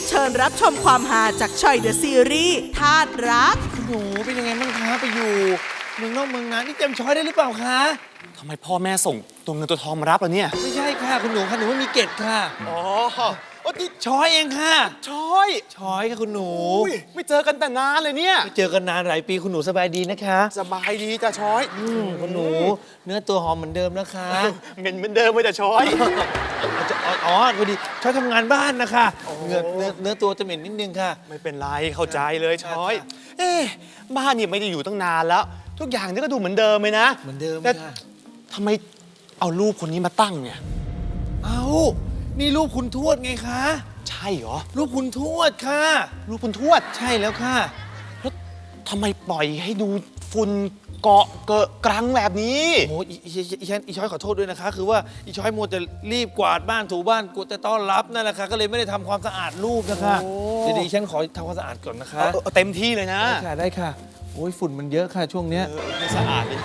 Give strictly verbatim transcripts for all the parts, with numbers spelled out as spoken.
เชิญรับชมความฮาจากชอยเดอะซีรีส์ธาตุรักคุณหนูเป็นยังไงบ้างคะไปอยู่เมืองนอกเมืองนานี่เต็มช้อยได้หรือเปล่าคะทำไมพ่อแม่ส่งตัวเงินตัวทองมารับล่ะเนี่ยไม่ใช่ค่ะคุณหนูค่ะหนูไม่มีเกตค่ะอ๋อโอ้ที่ช้อยเองค่ะช้อยช้อยค่ะคุณหนูไม่เจอกันแต่นานเลยเนี่ยไม่เจอกันนานหลายปีคุณหนูสบายดีนะคะสบายดีจ้ะช้อยคุณหนูเนื้อตัวหอมเหมือนเดิมนะคะเหม็นเหมือนเดิมเลยจ้ะช้อยอ๋อพอดีช้อยทำงานบ้านนะคะเนื้อเนื้อเนื้อตัวจะเหม็นนิดนึงค่ะไม่เป็นไรเข้าใจเลยช้อยเอ๊ะบ้านเนี่ยไม่ได้อยู่ตั้งนานแล้วทุกอย่างนี่ก็ดูเหมือนเดิมเลยนะเหมือนเดิมแต่ค่ะทำไมเอารูปคนนี้มาตั้งเนี่ยเอานี่รูปคุณทวดไงคะใช่เหรอรูปคุณทวดค่ะรูปคุณทวดใช่แล้วค่ะแล้วทำไมปล่อยให้ดูฝุ่นเกาะเกอะกรังแบบนี้โอ้อีอีฉันอีช้อยขอโทษด้วยนะคะคือว่าอีช้อยมัวแต่รีบกวาดบ้านถูบ้านกูแต่ต้อนรับนั่นแหละค่ะก็เลยไม่ได้ทำความสะอาดรูปนะคะเดี๋ยวดิฉันขอทำความสะอาดก่อนนะคะเต็มที่เลยนะได้ค่ะได้ค่ะโอ้ยฝุ่นมันเยอะค่ะช่วงเนี้ยไม่สะอาดเลย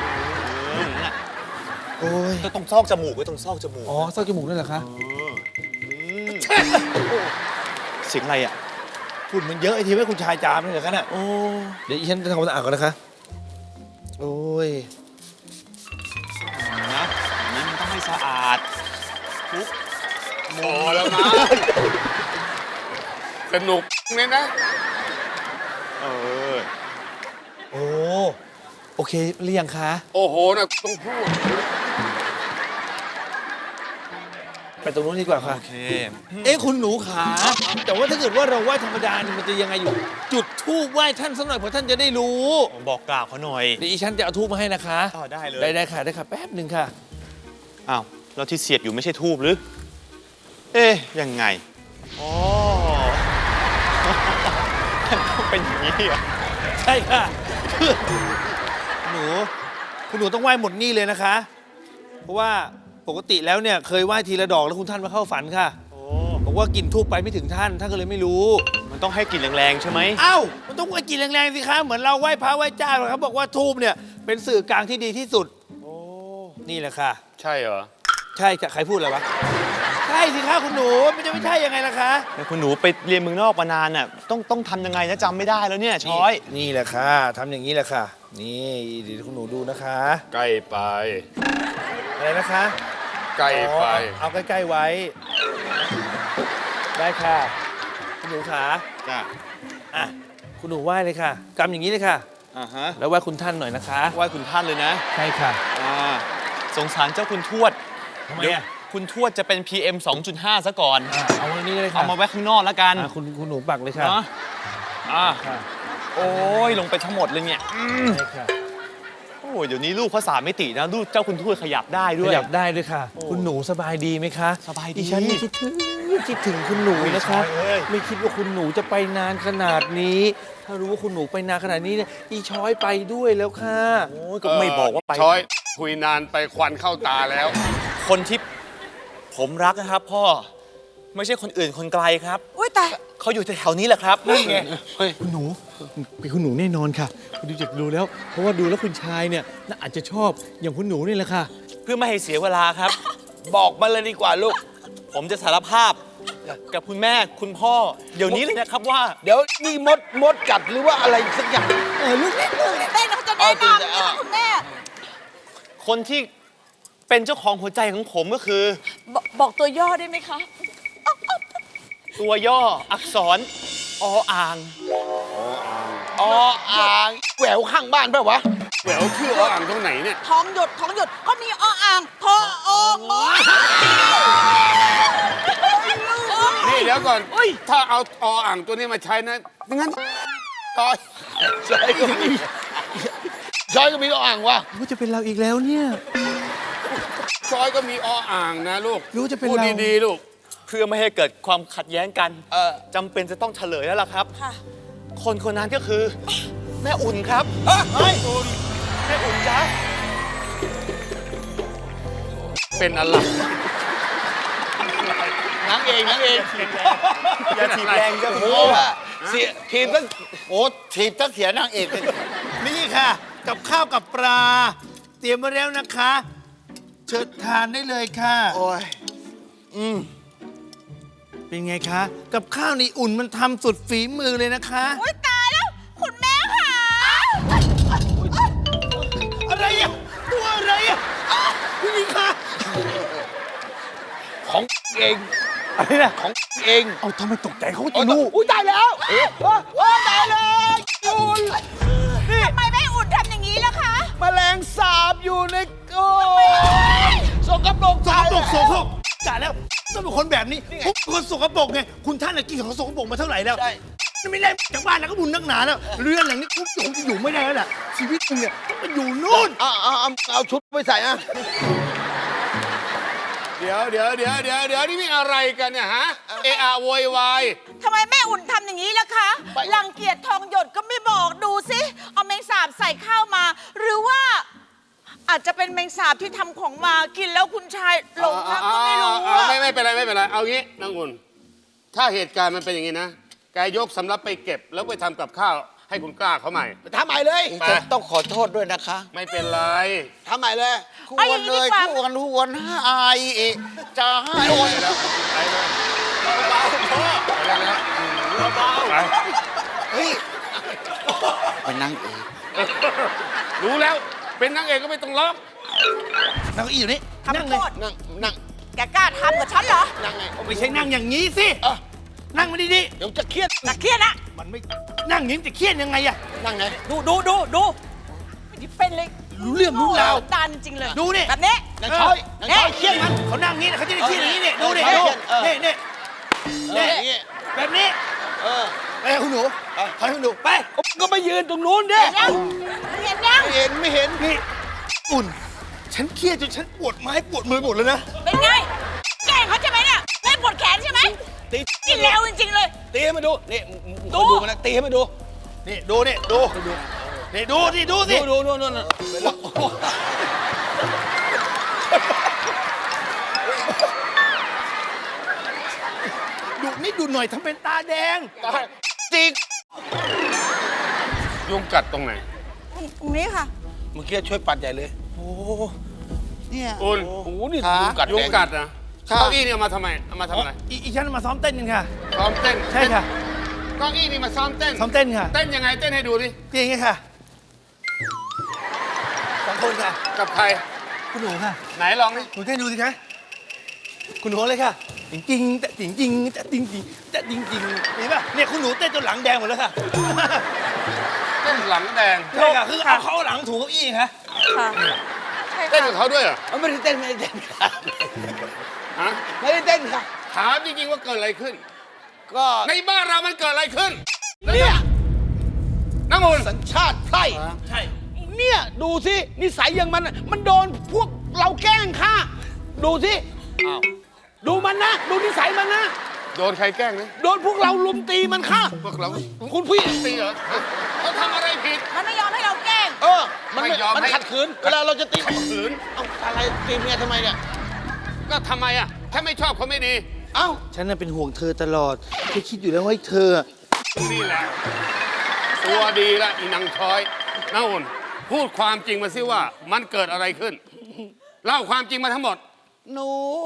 โอ้ยต้องซอกจมูกไว้ตรงซอกจมูกอ๋อซอกจมูกนั่นเหรอคะเสียงอะไรอ่ะฝุ่นมันเยอะไอ้ทีไม่คุณชายจามเลยเหรอคะน่ะโอ้เดี๋ยวอีฉันจะทำความสะอาดก่อนนะคะโอ้ยนะนี่มันต้องให้สะอาดทุกพอแล้วนะสนุกเนี่ยนะเออโอ้โอเคหรือยังคะโอ้โหนะต้องพูดไปตรงนู้นดีกว่าค่ะโอเคเอ๊ะคุณหนูขาแต่ว่าถ้าเกิดว่าเราไหว้ธรรมดานี่มันจะยังไงอยู่จุดธูปไหว้ท่านสักหน่อยเพราะท่านจะได้รู้บอกกล่าวเขาหน่อยเดี๋ยวอีฉันจะเอาธูปมาให้นะคะอ๋อได้เลยได้ได้ค่ะได้ค่ะแป๊บหนึ่งค่ะอ้าวแล้วที่เสียบอยู่ไม่ใช่ธูปหรือเอ๊ยยังไงอ๋อเป็นอย่างนี้เหรอใช่ค่ะหนูคุณหนูต้องไหว้หมดนี่เลยนะคะเพราะว่าปกติแล้วเนี่ยเคยไหว้ทีละดอกแล้วคุณท่านมาเข้าฝันค่ะบอกว่ากลิ่นทูบไปไม่ถึงท่านท่านก็เลยไม่รู้มันต้องให้กลิ่นแรงๆใช่ไหมเอ้ามันต้องให้กลิ่นแรงๆสิคะเหมือนเราไหว้พระไหว้เจ้าเขาบอกว่าทูบเนี่ยเป็นสื่อกลางที่ดีที่สุดโอ้นี่แหละค่ะใช่เหรอใช่ใครพูดอะไรวะใช่สิคะคุณหนูมันจะไม่ใช่ยังไงล่ะคะแต่คุณหนูไปเรียนเมืองนอกมานานน่ะต้องต้องทำยังไงนะจำไม่ได้แล้วเนี่ยช้อยนี่แหละค่ะทำอย่างนี้แหละค่ะนี่เดี๋ยวคุณหนูดูนะคะใกล้ไปอะไรนะคะใกล้ไปเอาใกล้ๆไว้ได้ค่ะคุณหนูขาจ้ะอ่ะคุณหนูไหว้เลยค่ะกำอย่างนี้เลยค่ะอ่าฮะแล้วไหว้คุณท่านหน่อยนะคะไหว้คุณท่านเลยนะใช่ค่ะอ่าสงสารเจ้าคุณทวดทำไมอ่ะคุณทวดจะเป็น พี เอ็ม สองจุดห้า ซะก่อนเอาไว้นี่เลยค่ะเอามาไว้ข้างนอกแล้วกันคุณคุณหนูปักเลยค่ะอ่าโอ้ยลงไปทั้งหมดเลยเนี่ยใช่ค่ะโอ้ยเดี๋ยวนี้ลูกเขาสามมิตินะลูกเจ้าคุณทวดขยับได้ด้วยขยับได้ด้วยค่ะคุณหนูสบายดีไหมคะสบายดีฉันคิดถึงคิดถึงคุณหนูนะคะไม่คิดว่าคุณหนูจะไปนานขนาดนี้ถ้ารู้ว่าคุณหนูไปนานขนาดนี้เนี่ยอีช้อยไปด้วยแล้วค่ะโอ้ยก็ไม่บอกว่าไปช้อยคุยนานไปควันเข้าตาแล้วคนที่ผมรักนะครับพ่อไม่ใช่คนอื่นคนไกลครับอุ้ยแต่เขาอยู่แถวนี้แหละครับนี่ไงคุณหนูเป็นคุณหนูแน่นอนค่ะดูจากดูแล้วเพราะว่าดูแล้วคุณชายเนี่ยน่าอาจจะชอบอย่างคุณหนูนี่แหละค่ะเพื่อไม่ให้เสียเวลาครับบอกมาเลยดีกว่าลูกผมจะสารภาพกับคุณแม่คุณพ่อเดี๋ยวนี้เลยนะครับว่าเดี๋ยวนี่มดมดกัดหรือว่าอะไรสักอย่างเออลูกนี่ลูกนี่ได้นะจะแนะนำนะคุณแม่คนที่เป็นเจ้าของหัวใจของผมก็คือบอกตัวย่อได้ไหมคะตัวย่ออักษรออ่างออ่างแหววข้างบ้านป่ะวะแหววชื่อออ่างตรงไหนเนี่ยท้องหยดท้องหยดก็มีออ่างทออองนี่เดี๋ยวก่อนถ้าเอาออ่างตัวนี้มาใช้นะงั้นต่อยใช่ก็มีใช่ก็มีออ่างวะรู้จะเป็นเราอีกแล้วเนี่ยชอยก็มีออ่างนะลูกรู้จะเป็นเราพูดดีๆลูกเพื่อไม่ให้เกิดความขัดแย้งกันจำเป็นจะต้องเฉลยแล้วล่ะครับคนคนนั้นก็คือแม่อุ่นครับแม่อุ่นแม่อุ่นจ้ะเป็นอะไรนางเองนางเองอย่าถีบแรงจะโอ้เสียทีมตั้งโอ้ทีมตั้งเสียนางเอกนี่ค่ะกับข้าวกับปลาเตรียมมาแล้วนะคะเชิญทานได้เลยค่ะโอ้ยอืมเป็นไงคะ กับข้าวนี่อุ่นมันทำสุดฝีมือเลยนะคะอุ้ยตายแล้ว คุณแม่ค่ะอะไรอ่ะ ตัวอะไรอ่ะผู้หญิงคะของเองอะไรนะของเองเอาทำไมตกใจเขาจะรู้อุ้ยตายแล้วเอ๊ะว้าตายเลยอุ่นทำไมแม่อุ่นทำอย่างนี้ล่ะคะแมลงสาบอยู่ในโอ้สกปรกสกปรกโสโครกกะแล้วต้องเป็นคนแบบนี้ผมเป็นคนสกปรกไง คุณท่านน่ะกินของสกปรกมาเท่าไหร่แล้วไม่ได้จากบ้านแล้วก็บุญนักหนาแล้ว เรือนหลังนี้ผมคงจะอยู่ไม่ได้แล้วล่ะ ชีวิตคุณเนี่ยต้องไปอยู่นู่นเอาเอาเอาเอาชุดไปใส่อะเดี๋ยวเดี๋ยวเดี๋ยวเดี๋ยวเดี๋ยวนี่มีอะไรกันเนี่ยฮะ เอะอะโวยวายทำไมแม่อุ่นทำอย่างนี้ล่ะคะรังเกียจทองหยดก็ไม่บอกดูสิเอาแมงสาบใส่ข้าวมา หรือว่า อาจจะเป็นแมงสาบที่ทำของมากินแล้วคุณชายหลงรักก็ไม่รู้อ่าอะไม่ไม่เป็นไรไม่เป็นไร เอางี้นางอุ่น ถ้าเหตุการณ์มันเป็นอย่างนี้นะแกยกสำรับไปเก็บ แล้วไปทำกับข้าวให้คุณกล้าเขาใหม่ทำใหม่เลยจะต้องขอโทษด้วยนะคะไม่เป็นไรทำไมเลยคู่เอาอกัย่าน งเลนี้ยดีกว่าคู่กันทุกคนอายเอะจะให้โอนแล้วไปเลยเบาๆพ่อไปแล้วเบาๆไปเฮ้ยไปนั่งเอกรู้แล้ว เป็นนางเอกก็ไม่ต้องร้องนั่งเก้าอี้อยู่นี่ทำนั่งโทเลยษนั่งนั่งแกกล้าทำกับฉันเหรอนั่งไงไม่ใช่นั่งอย่างนี้สิเอ้านั่งมาดีเดี๋ยวจะเครียดนักเครียดนะๆมันไม่นั่งอย่างนี้จะเครียดยังไงอะนั่งไงดูดูดูดูไม่ได้เป็นเลยรู้เรื่องรู้ราวตานจริงเลยดูนี่แบบนี้นั่งช้อยนั่งช้อยเครียดมันเขานั่งงี้นะเขาจะได้เครียดอย่างนี้นี่ดูดิเออดูเออนี่นี่เอนี่ออย่างงี้แบบนี้เออไปคุณหนูไปคุณหนูไปก็ไปยืนตรงนู้นดิเห็นยังเห็นยังไม่เห็นไม่เห็นนี่อุ่น ฉันเครียดจนฉันปวดไม้ปวดมือหมดแล้วนะเป็นไง แกล้งเขาใช่ไหมเนี่ยแม่ปวดแขนใช่ไหมตีนี่เลวจริงๆเลยตีให้มาดูนี่ดูดูมันนะตีให้มาดูนี่ดูนี่ดูนี่ดูสิดูสิดูดูดูดูดูดูนี่ดูหน่อยทำเป็นตาแดงจิกยุงกัดตรงไหนตรงนี้ค่ะเมื่อกี้ช่วยปัดใหญ่เลยโอ้เนี่ยอุ่นโอ้โหนี่ขายุงกัดยุงแดกัดนะค่ะเก้าอี้เนี่ยเอามาทำไมเอามาทำอะไรอีอีฉันมาซ้อมเต้นกันค่ะซ้อมเต้นใช่ค่ะเก้าอี้นี่มาซ้อมเต้นซ้อมเต้นค่ะเต้นยังไงเต้นให้ดูดิจริงไงค่ะสองคนค่ะกับใครคุณหนูค่ะไหนลองดิหนูเต้นดูสิคะคุณหนูเลยค่ะจริงจริงๆแต่จริงจริงๆแต่จริงจริงๆแต่จริงจริงๆเห็นป่ะเนี่ยคุณหนูเต้นจนหลังแดงหมดแล้วค่ะเต้นหลังแดงใช่ค่ะคือเอาเขาเอาหลังถูเก้าอี้ค่ะค่ะใช่เต้นค่ะกับเขาด้วยเหรอเอาไม่ได้เต้นไม่ได้เต้นค่ะฮะไม่ได้เต้นค่ะถามจริงๆว่าเกิดอะไรขึ้นก็ในบ้านเรามันเกิดอะไรขึ้นเนี่ยน้ำอุ่นสัญชาติไพร่ใช่เนี่ยดูสินิสัยอย่างมันน่ะมันโดนพวกเราแกล้งค่ะดูสิดูมันนะ ดูนิสัยมันนะโดนใครแกล้งนะโดนพวกเราลุมตีมันค่ะพวกเราคุณพี่ตีเหรอเขาทำอะไรผิดมันไม่ยอมให้เราแกล้งเออ มันไม่ยอมมันให้ขัดขืนเวลาเราจะตีขัดขืนเอ้าอะไรตีเมียทำไมเนี่ยก็ทำไมอ่ะถ้าไม่ชอบเขาไม่ดีเอ้าฉันน่ะเป็นห่วงเธอตลอดแค่คิดอยู่แล้วว่าเธอนี่แหละ ตัวดีละอีนางช้อยน้าอุ่นพูดความจริงมาสิว่ามันเกิดอะไรขึ้น เล่าความจริงมาทั้งหมดหนู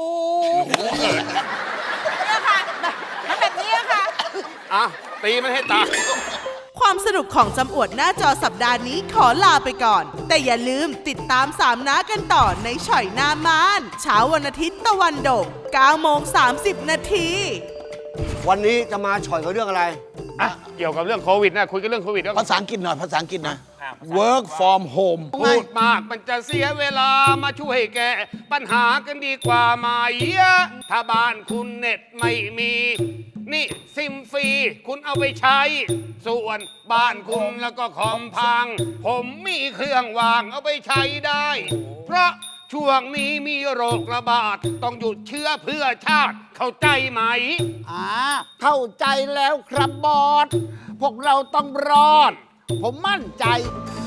เนี่ยค่ะแบบมันแบบนี้ค่ะอ่ะตีมันให้ตายความสนุกของจำอวดหน้าจอสัปดาห์นี้ขอลาไปก่อน แต่อย่าลืมติดตามสามน้ากันต่อในฉ่อยหน้ามานเช้าวันอาทิตย์ตะวันโด่งเก้าโมงสามสิบนาทีวันนี้จะมาฉ่อยกับเรื่องอะไรอ่ะเกี่ยวกับเรื่องโควิดนะคุยกันเรื่องโควิดแล้วภาษาอังกฤษหน่อยภาษาอังกฤษนะ work from home พูดมากมันจะเสียเวลามาช่วยแก้ปัญหากันดีกว่าไหมถ้าบ้านคุณเน็ตไม่มี นี่ซิมฟรีคุณเอาไปใช้ ส่วนบ้านคุณแล้วก็คอมพัง ผมมีเครื่องวางเอาไปใช้ได้ เพราะช่วงนี้มีโรคระบาด ต้องหยุดเชื้อเพื่อชาติเข้าใจไหมอ่าเข้าใจแล้วครับบอส พวกเราต้องรอด ผมมั่นใจ